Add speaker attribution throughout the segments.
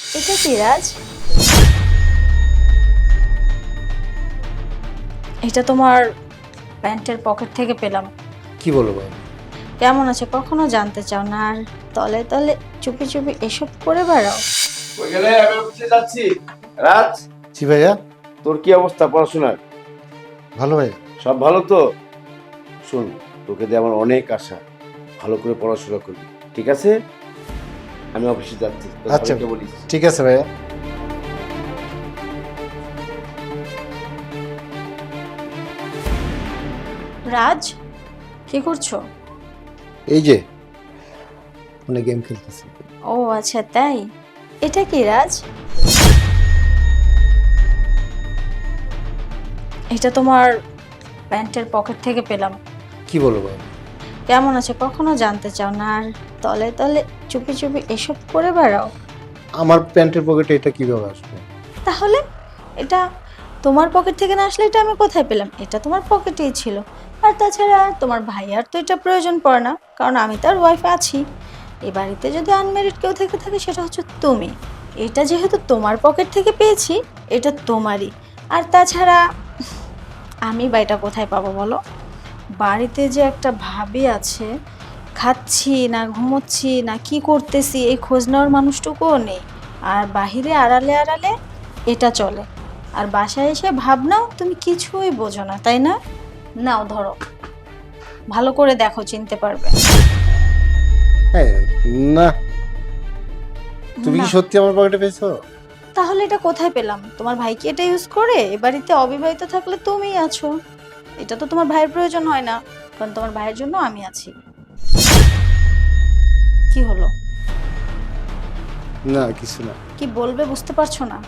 Speaker 1: এটা কি রাজ? এটা তোমার প্যান্টের পকেট থেকে পেলাম।
Speaker 2: কি বলো ভাই?
Speaker 1: কেমন আছে কখনো জানতে চাও না, আর তলে তলে চুপি চুপি এসব করে বেড়াও।
Speaker 3: কই গেলে? আমি অফিসে যাচ্ছি। রাজ,
Speaker 2: জি ভাইয়া।
Speaker 3: তোর কি অবস্থা পড়াশোনার?
Speaker 2: ভালো ভাইয়া।
Speaker 3: সব ভালো তো? শোন, তোকে দিয়ে আমার অনেক আশা, ভালো করে পড়াশোনা করবি, ঠিক আছে? আমি অফিসে যাচ্ছি, তোর
Speaker 2: আচ্ছা
Speaker 3: ভাইকে বলিস।
Speaker 2: ঠিক আছে ভাইয়া।
Speaker 1: রাজ, কি করছো?
Speaker 2: এই যে অনেক গেম খেলতেছি।
Speaker 1: ও আচ্ছা তাই। এটা কি রাজ? এটা তোমার প্যান্টের পকেট থেকে পেলাম।
Speaker 2: কি বলো ভাই?
Speaker 1: কেমন আছে কখনো জানতে চাও না, আর তলে তলে চুপি চুপি এসব করে বেড়াও।
Speaker 2: আমার প্যান্টের পকেটে এটা কিভাবে আসবে?
Speaker 1: তাহলে এটা তোমার পকেট থেকে না আসলে এটা আমি কোথায় পেলাম? এটা তোমার পকেটেই ছিল। আর তাছাড়া তোমার ভাইয়ার তো এটা প্রয়োজন পড়ে না, কারণ আমি তার ওয়াইফ আছি। এই বাড়িতে যদি আনমেরিড কেউ থেকে থাকে সেটা হচ্ছে তুমি। এটা যেহেতু তোমার পকেট থেকে পেয়েছি, এটা তোমারই। আর তাছাড়া আমি বা এটা কোথায় পাবো বলো? বাড়িতে যে একটা ভাবি আছে, খাচ্ছি না ঘুমোচ্ছি না কি করতেছি এই খোঁজ নেওয়ার মানুষটুকুও নেই। আর বাহিরে আড়ালে আড়ালে এটা চলে। আর বাসায় এসে ভাবনাও তুমি কিছুই বোঝো না, তাই না? নাও ধরো, ভালো করে দেখো, চিনতে পারবে।
Speaker 2: হ্যাঁ। না, তুমি কি
Speaker 1: না।
Speaker 2: সত্যি আমার পকেটে পেয়েছো?
Speaker 1: তাহলে এটা কোথায় পেলাম? তোমার ভাই কি এটা ইউজ করে? এ বাড়িতে অবিবাহিত থাকলে তুমিই আছো। এটা তো তোমার ভাইয়ের প্রয়োজন হয় না, কারণ তোমার ভাইয়ের জন্য আমি আছি। কি হলো?
Speaker 2: না কিছু না।
Speaker 1: কি বলবে বুঝতে পারছো না?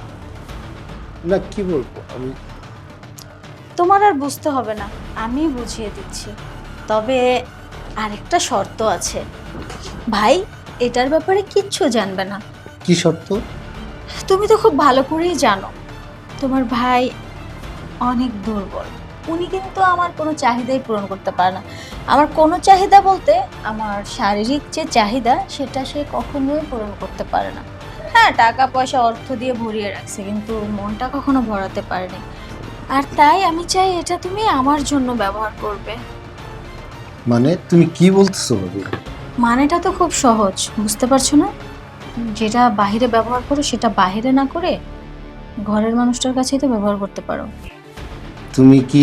Speaker 2: না কি বলবো আমি?
Speaker 1: তোমার আর বুঝতে হবে না, আমি বুঝিয়ে দিচ্ছি। তবে আরেকটা শর্ত আছে। ভাই এটার ব্যাপারে কিচ্ছু জানবে না।
Speaker 2: কি শর্ত?
Speaker 1: তুমি তো খুব ভালো করেই জানো তোমার ভাই অনেক দুর্বল। উনি কিন্তু আমার কোনো চাহিদাই পূরণ করতে পারে না। আমার কোনো চাহিদা বলতে আমার শারীরিক যে চাহিদা সেটা সে কখনোই পূরণ করতে পারে না। হ্যাঁ, টাকা পয়সা অর্থ দিয়ে ভরিয়ে রাখছে, কিন্তু মনটা কখনো ভরাতে পারেনি। আর তাই আমি চাই এটা তুমি আমার জন্য ব্যবহার করবে।
Speaker 2: মানে তুমি কি বলতেছো ভাবি?
Speaker 1: মানেটা তো খুব সহজ, বুঝতে পারছো না? যেটা বাহিরে ব্যবহার করো সেটা বাহিরে না করে ঘরের মানুষটার কাছেই তো ব্যবহার করতে পারো।
Speaker 2: তুমি কি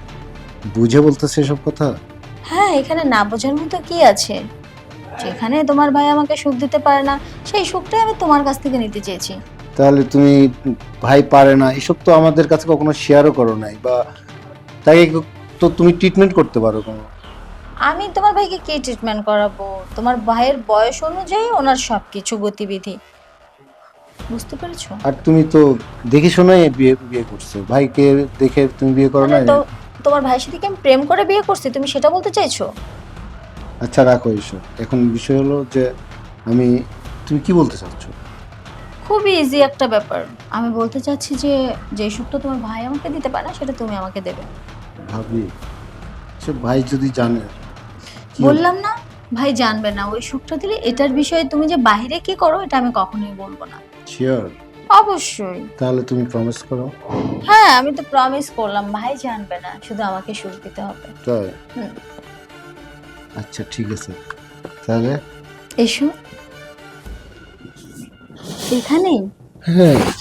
Speaker 2: বুঝে বলতেছো এসব কথা?
Speaker 1: হ্যাঁ, এখানে না বোঝার মতো কি আছে? যেখানে তোমার ভাই আমাকে সুখ দিতে পারে না, সেই সুখটাই আমি তোমার কাছ থেকে নিতে চেয়েছি।
Speaker 2: তাহলে তুমি ভাই পারে না এসব তো আমাদের কাছে কখনো শেয়ারও করো নাই, বা তাকে তো তুমি ট্রিটমেন্ট করতে পারো কোনো?
Speaker 1: আমি তোমার ভাইকে কি ট্রিটমেন্ট করাবো? তোমার ভাইয়ের বয়স অনুযায়ী ওনার সবকিছু গতিবিধি, বুঝতে পেরেছো?
Speaker 2: আর তুমি তো দেখে শোনাই বিয়ে বিয়ে করছো, ভাইকে দেখে তুমি বিয়ে করো না?
Speaker 1: মানে তো তোমার ভাইয়ের সাথে কি আমি প্রেম করে বিয়ে করছি, তুমি সেটা বলতে চাইছো?
Speaker 2: আচ্ছা রাখো এসব, এখন বিষয় হলো যে আমি, তুমি কি বলতে চাচ্ছ?
Speaker 1: খুবই ইজি একটা ব্যাপার। আমি বলতে চাচ্ছি যে যে সুখটা তোমার ভাই আমাকে দিতে পারে না সেটা তুমি আমাকে দেবে।
Speaker 2: ভাবি সে ভাই যদি জানে কি হবে?
Speaker 1: বললাম না, ভাই জানবে না। ওই সুখটা দিলে এটার বিষয়ে তুমি যে বাইরে কি করো এটা আমি কখনোই বলবো না।
Speaker 2: শিওর?
Speaker 1: অবশ্যই।
Speaker 2: তাহলে তুমি প্রমিস করো।
Speaker 1: হ্যাঁ, আমি তো প্রমিস করলাম, ভাই জানবে না, শুধু আমাকে সুখ দিতে হবে।
Speaker 2: তাই?
Speaker 1: হুম।
Speaker 2: আচ্ছা ঠিক আছে তাহলে।
Speaker 1: এসো এখানেই।
Speaker 2: হ্যাঁ